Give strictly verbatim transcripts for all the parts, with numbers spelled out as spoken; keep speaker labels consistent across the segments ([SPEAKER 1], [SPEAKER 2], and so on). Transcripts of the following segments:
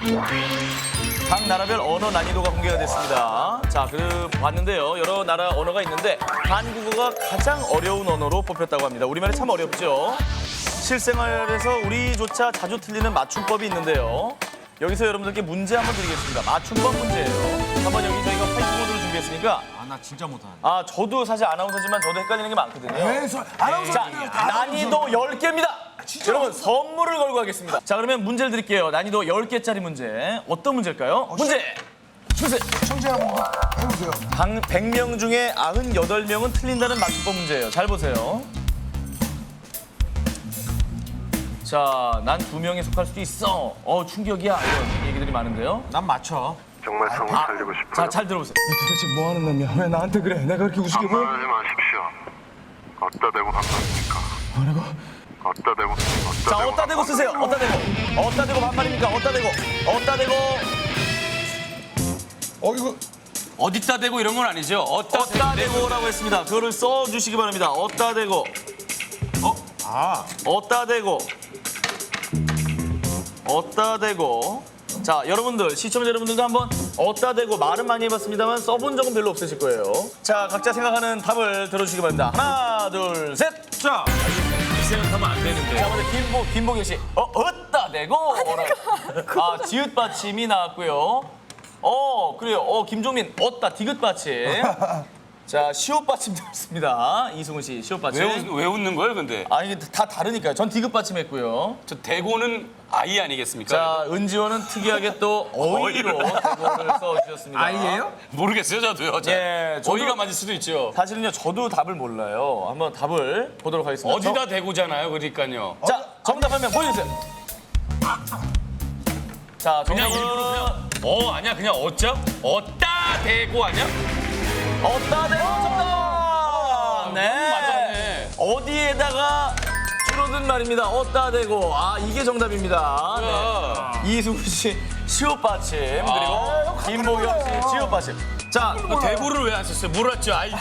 [SPEAKER 1] 각 나라별 언어 난이도가 공개가 됐습니다. 자, 그 봤는데요. 여러 나라 언어가 있는데 한국어가 가장 어려운 언어로 뽑혔다고 합니다. 우리말이 참 어렵죠. 실생활에서 우리조차 자주 틀리는 맞춤법이 있는데요. 여기서 여러분들께 문제 한번 드리겠습니다. 맞춤법 문제예요. 한번 여기 저희가 화이트보드를 준비했으니까.
[SPEAKER 2] 아, 나 진짜 못하는데.
[SPEAKER 1] 아, 저도 사실 아나운서지만 저도 헷갈리는 게 많거든요.
[SPEAKER 3] 네, 저 아나운서
[SPEAKER 1] 자, 난이도 열 개입니다. 여러분, 선물을 걸고 하겠습니다. 자, 그러면 문제를 드릴게요. 난이도 열 개짜리 문제. 어떤 문제일까요? 문제 주세요.
[SPEAKER 3] 청재 한번 해보세요.
[SPEAKER 1] 백 명 중에 구십팔 명은 틀린다는 맞춤법 문제예요. 잘 보세요. 자, 난 두 명에 속할 수도 있어. 어, 충격이야. 이런 얘기들이 많은데요.
[SPEAKER 2] 난 맞춰.
[SPEAKER 4] 정말 성을
[SPEAKER 1] 아,
[SPEAKER 4] 살리고 싶어요.
[SPEAKER 1] 자, 잘 들어보세요.
[SPEAKER 3] 도대체 뭐 하는 놈이야? 왜 나한테 그래? 내가 그렇게 우습게 보여?
[SPEAKER 4] 반말하지 마십시오. 어디다 대고 반말입니까?
[SPEAKER 3] 뭐라고?
[SPEAKER 4] 어디다 대고 어디다
[SPEAKER 1] 자,
[SPEAKER 4] 대고
[SPEAKER 1] 어따 대고 쓰세요. 어따 대고. 어따 대고 반말입니까? 어따 대고. 어따 대고.
[SPEAKER 3] 어, 이거
[SPEAKER 2] 어디다 대고 이런 건 아니죠? 어디다
[SPEAKER 1] 어따 대고라고 했습니다. 그거를 써주시기 바랍니다. 어따 대고.
[SPEAKER 2] 어? 아.
[SPEAKER 1] 어따 대고. 어따 대고. 자, 여러분들, 시청자 여러분들도 한번 어따 대고 말은 많이 해봤습니다만 써본 적은 별로 없으실 거예요. 자, 각자 생각하는 답을 들어주시기 바랍니다. 하나, 둘, 셋.
[SPEAKER 2] 자, 이 생각하면 안 되는데.
[SPEAKER 1] 자, 먼저 김보, 김보경 씨. 어, 어따 대고. 아, 지읒 받침이 나왔고요. 어, 그래요. 어, 김종민, 어따 디귿 받침. 자, 시옷 받침 들었습니다. 이승훈 씨, 시옷 받침.
[SPEAKER 2] 왜, 웃, 왜 웃는 거예요, 근데?
[SPEAKER 1] 아, 이게 다 다르니까요. 전 디귿 받침 했고요.
[SPEAKER 2] 저 대고는 아이 아니겠습니까?
[SPEAKER 1] 자, 은지원은 특이하게 또 어이로 대고를 써주셨습니다.
[SPEAKER 2] 아이예요? 모르겠어요, 저도요. 자,
[SPEAKER 1] 예, 저도-
[SPEAKER 2] 어이가 맞을 수도 있죠.
[SPEAKER 1] 사실은요, 저도 답을 몰라요. 한번 답을 보도록 하겠습니다.
[SPEAKER 2] 어디다 대고잖아요, 그러니까요.
[SPEAKER 1] 저- 자, 정답 한 명 보여주세요. 자,
[SPEAKER 2] 그냥
[SPEAKER 1] 정답은
[SPEAKER 2] 일부러 그냥 어 아니야 그냥 어짜? 어따 대고 아니야?
[SPEAKER 1] 어따 대고 정답! 네.
[SPEAKER 2] 맞았네.
[SPEAKER 1] 어디에다가 줄어든 말입니다. 어따 대고. 아, 이게 정답입니다. 네.
[SPEAKER 2] 뭐야.
[SPEAKER 1] 이승훈 씨, 시옷 받침. 그리고 김보경 씨, 지읒 받침. 자,
[SPEAKER 2] 그 대고를 왜 안 썼어요? 몰랐죠, 아이죠.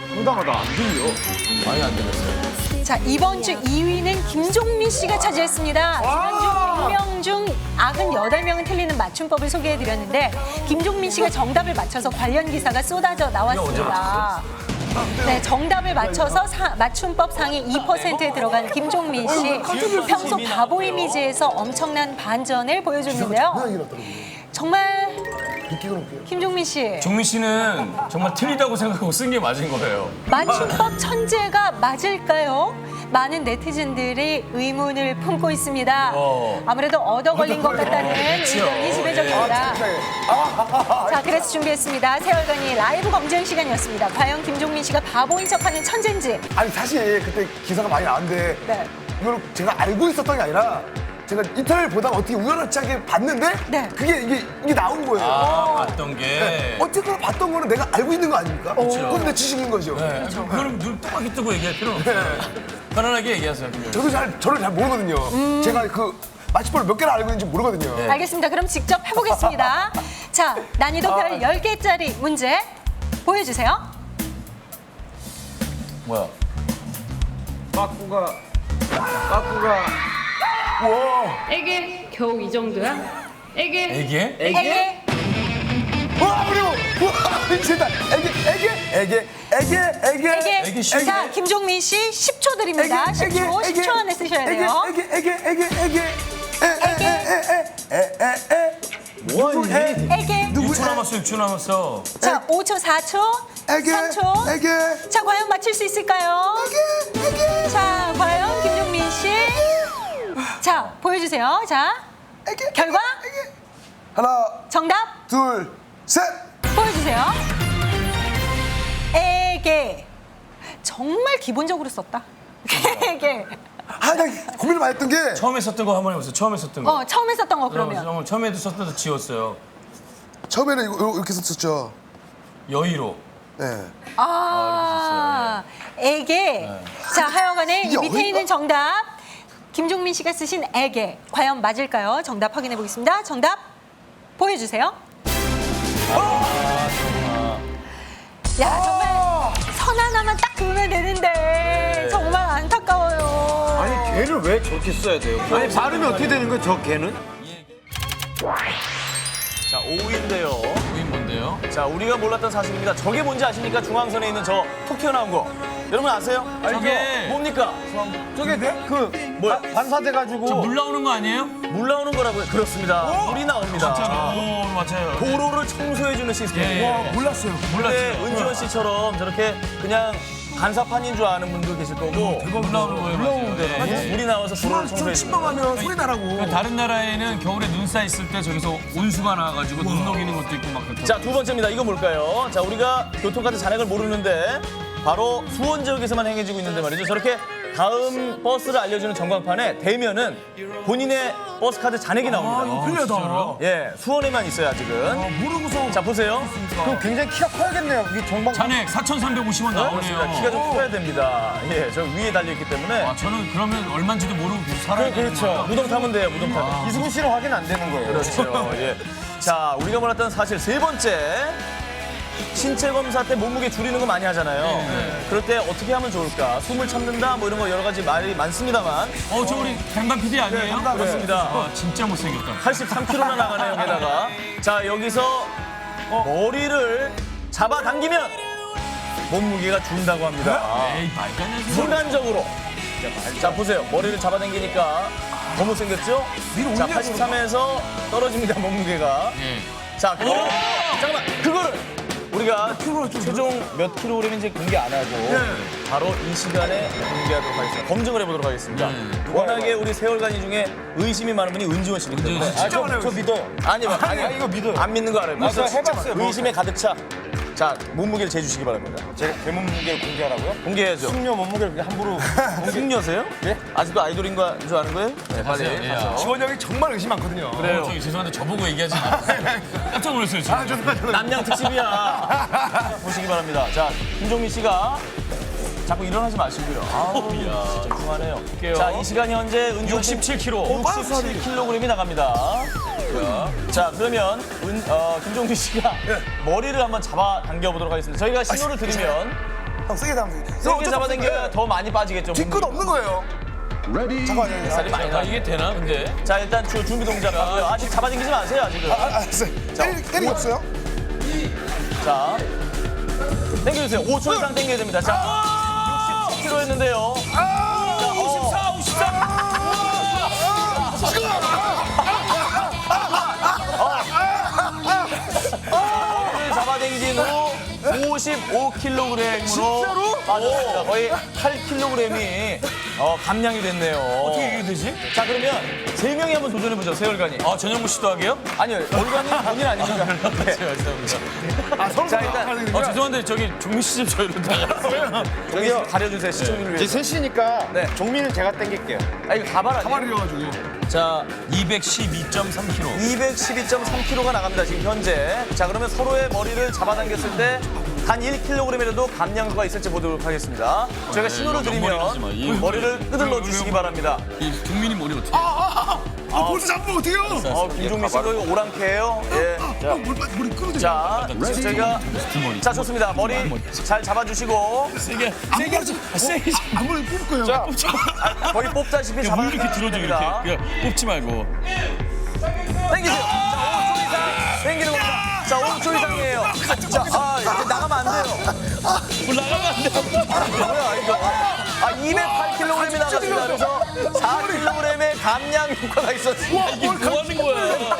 [SPEAKER 5] 자, 이번 주 이 위는 김종민 씨가 차지했습니다. 지난주 백 명 중 구십팔 명은 틀리는 맞춤법을 소개해드렸는데 김종민 씨가 정답을 맞춰서 관련 기사가 쏟아져 나왔습니다. 네, 정답을 맞춰서 사- 맞춤법 상위 이 퍼센트에 들어간 김종민 씨. 평소 바보 이미지에서 엄청난 반전을 보여줬는데요. 정말 김종민 씨,
[SPEAKER 2] 종민 씨는 정말 틀리다고 생각하고 쓴 게 맞은 거예요.
[SPEAKER 5] 맞춤법 천재가 맞을까요? 많은 네티즌들이 의문을 품고 있습니다.
[SPEAKER 2] 어.
[SPEAKER 5] 아무래도 얻어 걸린 것 같다는 의견이 지배적입니다. 자, 그래서 준비했습니다. 세월간이 라이브 검증 시간이었습니다. 과연 김종민 씨가 바보인 척하는 천재인지.
[SPEAKER 3] 아니 사실 그때 기사가 많이 나왔는데
[SPEAKER 5] 네.
[SPEAKER 3] 이걸 제가 알고 있었던 게 아니라 제가 인터넷 보다가 어떻게 우연하게 봤는데
[SPEAKER 5] 네.
[SPEAKER 3] 그게 이게 이게 나온 거예요.
[SPEAKER 2] 아, 봤던 게.
[SPEAKER 3] 어쨌거나 봤던 거는 내가 알고 있는 거 아닙니까? 그건 내 지식인 거죠.
[SPEAKER 2] 네. 그럼 눈 똑바로 뜨고 얘기할 필요는 없어요. 편안하게 얘기하세요. 그냥.
[SPEAKER 3] 저도 잘 저를 잘 모르거든요. 제가 그 마취법을 몇 개나 알고 있는지 모르거든요.
[SPEAKER 5] 알겠습니다. 그럼 직접 해보겠습니다. 자, 난이도 별 열 개짜리 문제 보여주세요.
[SPEAKER 1] 뭐야?
[SPEAKER 6] 빠꾸가 빠꾸가
[SPEAKER 7] 애게 겨우 이 정도야? 애게
[SPEAKER 2] 얘기해?
[SPEAKER 5] 에게,
[SPEAKER 3] 와 어려워. 와 미친다. 애기 애기 애기 애기 애기
[SPEAKER 5] 에게.
[SPEAKER 2] 에게 쉬운데?
[SPEAKER 5] 자, 김종민 씨 십 초 드립니다. 십 초, 십 초 안에 쓰셔야 돼요.
[SPEAKER 3] 애기 애기 애기 애기 에에에에에에에
[SPEAKER 1] 뭐하니?
[SPEAKER 5] 에게.
[SPEAKER 2] 육 초 남았어, 육 초 남았어.
[SPEAKER 5] 자, 오 초, 사 초,
[SPEAKER 3] 애기
[SPEAKER 5] 삼 초.
[SPEAKER 3] 애기
[SPEAKER 5] 자, 과연 맞힐 수 있을까요? 자, 과연 김종민 씨. 자, 보여주세요. 자, 결과
[SPEAKER 3] 하나
[SPEAKER 5] 정답
[SPEAKER 3] 둘 셋.
[SPEAKER 5] 보여주세요. 에게. 정말 기본적으로 썼다. 에게.
[SPEAKER 3] 아, 나 고민을 많이 했던 게
[SPEAKER 2] 처음에 썼던 거 한번 해보세요. 처음에 썼던 거.
[SPEAKER 5] 어, 처음에 썼던 거 그러면.
[SPEAKER 2] 어, 처음에도 썼던 거 지웠어요.
[SPEAKER 3] 처음에는 이거 이렇게 썼었죠.
[SPEAKER 2] 여의로.
[SPEAKER 3] 네.
[SPEAKER 5] 아, 에게. 자, 하여간에 이
[SPEAKER 3] 이게
[SPEAKER 5] 밑에
[SPEAKER 3] 어디가?
[SPEAKER 5] 있는 정답. 김종민 씨가 쓰신 에게. 과연 맞을까요? 정답 확인해 보겠습니다. 정답 보여주세요. 야, 정말 선 하나만 딱 그으면 되는데 정말 안타까워요.
[SPEAKER 6] 아니 걔를 왜 저렇게 써야 돼요? 아니 발음이 어떻게 되는 거야 저 걔는?
[SPEAKER 1] 자, 오 위인데요.
[SPEAKER 2] 이게 뭔데요?
[SPEAKER 1] 자, 우리가 몰랐던 사실입니다. 저게 뭔지 아십니까? 중앙선에 있는 저 톡 튀어나온 거. 여러분 아세요?
[SPEAKER 2] 저게-
[SPEAKER 1] 뭡니까?
[SPEAKER 3] 저게 그
[SPEAKER 1] 뭐야?
[SPEAKER 3] 반사돼가지고.
[SPEAKER 2] 저 물 나오는 거 아니에요?
[SPEAKER 1] 물 나오는 거라고요? 그렇습니다. 물이 나옵니다.
[SPEAKER 2] 오, 맞아요.
[SPEAKER 1] 도로를 청소해주는 시스템이에요.
[SPEAKER 2] 예, 예.
[SPEAKER 3] 몰랐어요.
[SPEAKER 1] 근데 은지원 씨처럼 저렇게 그냥 간사판인 줄 아는 분도 계실 거고
[SPEAKER 2] 물 나오는 거예요. 맞아요.
[SPEAKER 1] 네, 물이 나와서 도로를 청소해주는 거예요.
[SPEAKER 3] 침범하면 소리 나라고.
[SPEAKER 2] 그러니까 다른 나라에는 겨울에 눈 쌓 있을 때 저기서 온수가 나와가지고 눈 녹이는 것도 있고 막 그렇다.
[SPEAKER 1] 자, 두 번째입니다. 이거 뭘까요? 자, 우리가 교통카드 잔액을 모르는데 바로 수원 지역에서만 행해지고 있는데 말이죠. 저렇게 다음 버스를 알려주는 전광판에 대면은 본인의 버스 카드 잔액이 나옵니다.
[SPEAKER 3] 편리하다.
[SPEAKER 1] 예, 수원에만 있어요, 아직은.
[SPEAKER 3] 모르고서.
[SPEAKER 1] 자, 보세요.
[SPEAKER 3] 그럼 굉장히 키가 커야겠네요. 이 정방.
[SPEAKER 2] 잔액 사천삼백오십 원
[SPEAKER 1] 그렇습니다.
[SPEAKER 2] 나오네요.
[SPEAKER 1] 키가 좀 커야 됩니다. 예, 저 위에 달려있기 때문에.
[SPEAKER 2] 아, 저는 그러면 얼마인지도 모르고 계속 살아야 되는
[SPEAKER 1] 그렇죠.
[SPEAKER 2] 거예요.
[SPEAKER 1] 무덤 타면 돼요, 무덤 타면.
[SPEAKER 3] 이승훈 씨는 확인 안 되는 거예요.
[SPEAKER 1] 그렇죠. 예. 자, 우리가 몰랐던 사실 세 번째. 신체 검사 때 몸무게 줄이는 거 많이 하잖아요. 그럴 때 어떻게 하면 좋을까? 숨을 참는다 뭐 이런 거 여러 가지 말이 많습니다만
[SPEAKER 2] 어, 저 우리 강단 피디 아니에요?
[SPEAKER 1] 그렇습니다.
[SPEAKER 2] 아, 진짜 못생겼다.
[SPEAKER 1] 팔십삼 킬로그램나 나가네요, 여기다가. 자, 여기서 머리를 잡아당기면 몸무게가 준다고 합니다.
[SPEAKER 2] 에이, 말도 안 되는 소리.
[SPEAKER 1] 순간적으로. 자, 보세요. 머리를 잡아당기니까 더 못생겼죠? 자, 팔십삼에서 떨어집니다, 몸무게가.
[SPEAKER 2] 예.
[SPEAKER 1] 자, 그거를, 잠깐만, 그거를 우리가 최종 몇 킬로그램인지 공개 안 하고 바로 이 시간에 공개하도록 하겠습니다. 검증을 해보도록 하겠습니다. 워낙에 우리 세월간이 중에 의심이 많은 분이 은지원 씨이기 때문에.
[SPEAKER 2] 은지원 씨.
[SPEAKER 3] 아, 저, 저 믿어요.
[SPEAKER 1] 아니, 아니,
[SPEAKER 3] 아, 이거 믿어요.
[SPEAKER 1] 안 믿는 거 알아요.
[SPEAKER 3] 아, 저 해봤어요.
[SPEAKER 1] 의심에 가득 차. 자, 몸무게를 재주시기 바랍니다.
[SPEAKER 3] 제가 제 몸무게를 공개하라고요?
[SPEAKER 1] 공개해야죠.
[SPEAKER 3] 숙녀 몸무게를 그냥 함부로.
[SPEAKER 1] 숙녀세요?
[SPEAKER 3] 예?
[SPEAKER 1] 아직도 아이돌인 거 줄 아는 거예요? 네, 빨리.
[SPEAKER 2] 하세요. 예.
[SPEAKER 1] 가서.
[SPEAKER 3] 지원 형이 정말 의심 많거든요.
[SPEAKER 1] 그래요.
[SPEAKER 2] 저기 죄송한데 저보고 얘기하지 마세요. 깜짝 놀랐어요, 지금.
[SPEAKER 3] 아, 죄송합니다.
[SPEAKER 1] 남양 특집이야. 자, 보시기 바랍니다. 자, 김종민 씨가 자꾸 일어나지 마시고요. 아우, 진짜 궁하네요. 자, 이 시간 현재 은지원 씨
[SPEAKER 2] 육십칠 킬로그램.
[SPEAKER 1] 육십칠 킬로그램이 나갑니다. 자, 그러면 은, 어, 김종민 씨가 머리를 한번 잡아 당겨 보도록 하겠습니다. 저희가 신호를 드리면
[SPEAKER 3] 형, 세게 담으세요.
[SPEAKER 1] 세게 잡아당겨야 더 많이 빠지겠죠.
[SPEAKER 3] 뒤끝 없는 거예요. 잠깐만요.
[SPEAKER 1] 살이 많이
[SPEAKER 2] 아,
[SPEAKER 1] 나.
[SPEAKER 2] 이게 되나, 근데?
[SPEAKER 1] 자, 일단 주, 준비 동작 하고요. 아직 잡아당기지 마세요, 아직은.
[SPEAKER 3] 아, 알았어요. 때리, 때리 없어요?
[SPEAKER 1] 자, 당겨주세요. 오 초 이상 당겨야 됩니다. 자, 육십칠 킬로그램였는데요. 자, 오십사, 오십삼. 머리를 잡아당긴 후 오십오 킬로그램으로 빠졌습니다. 거의 팔 킬로그램이 어, 감량이 됐네요.
[SPEAKER 2] 어떻게 이게 되지?
[SPEAKER 1] 자, 그러면 세 명이 한번 도전해보죠, 세월간이.
[SPEAKER 2] 아, 전현무 씨도 하게요?
[SPEAKER 1] 아니요, 월간이 본인 아닙니까? 네.
[SPEAKER 3] 아, 서로
[SPEAKER 1] 자, 일단
[SPEAKER 2] 어, 죄송한데 저기 종민 씨 좀 저희로 나가.
[SPEAKER 1] 저기요, 가려주세요, 시청률을 위해서.
[SPEAKER 3] 이제 셋이니까
[SPEAKER 1] 네.
[SPEAKER 3] 종민은 제가 땡길게요.
[SPEAKER 1] 아, 이거 가발 아니에요?
[SPEAKER 3] 가발이어가지고.
[SPEAKER 1] 자,
[SPEAKER 2] 이백십이 점 삼 킬로그램.
[SPEAKER 1] 이백십이 점 삼 킬로그램가 나갑니다, 지금 현재. 자, 그러면 서로의 머리를 잡아당겼을 때 단 일 킬로그램이라도 감량도가 있을지 보도록 하겠습니다. 저희가 신호를
[SPEAKER 2] 머리 하지 마. 이
[SPEAKER 1] 드리면 머리를 끄들러 주시기 바랍니다.
[SPEAKER 2] 이 종민이 머리 어떻게?
[SPEAKER 3] 아, 벌써 잡으면 어떡해요?
[SPEAKER 1] 어, 김종민 씨가 이거 오랑캐예요. 예. 자,
[SPEAKER 3] 머리 끄도
[SPEAKER 1] 자, 저희가
[SPEAKER 2] 두머리.
[SPEAKER 1] 자, 좋습니다. 머리 잘 잡아주시고
[SPEAKER 2] 세게, 세게 하지. 아, 세게.
[SPEAKER 3] 아무리 뽑을 거예요.
[SPEAKER 1] 자, 아, 거의 뽑다시피
[SPEAKER 2] 야, 물 이렇게
[SPEAKER 1] 잡아주시면
[SPEAKER 2] 들어줘
[SPEAKER 1] 됩니다.
[SPEAKER 2] 이렇게. 그냥 뽑지 말고.
[SPEAKER 1] 당기세요. 자, 오 초 이상 당기는 겁니다. 자, 오 초 이상이에요. 자, 아, 이제 나가면 안 돼요.
[SPEAKER 2] 물 나가면 안 돼.
[SPEAKER 1] 뭐야, 이거. 아, 이백팔 킬로그램이 나갔습니다. 그래서 사 킬로그램의 감량 효과가 있었습니다.
[SPEAKER 2] 이게 뭐 하는 거야?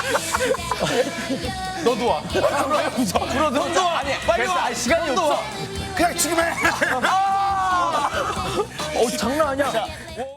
[SPEAKER 1] 너도 와. 불어, 너도 와. 아니, 빨리 와. 아니, 시간이 없어.
[SPEAKER 3] 그냥 지금 해.
[SPEAKER 1] 어, 장난 아니야.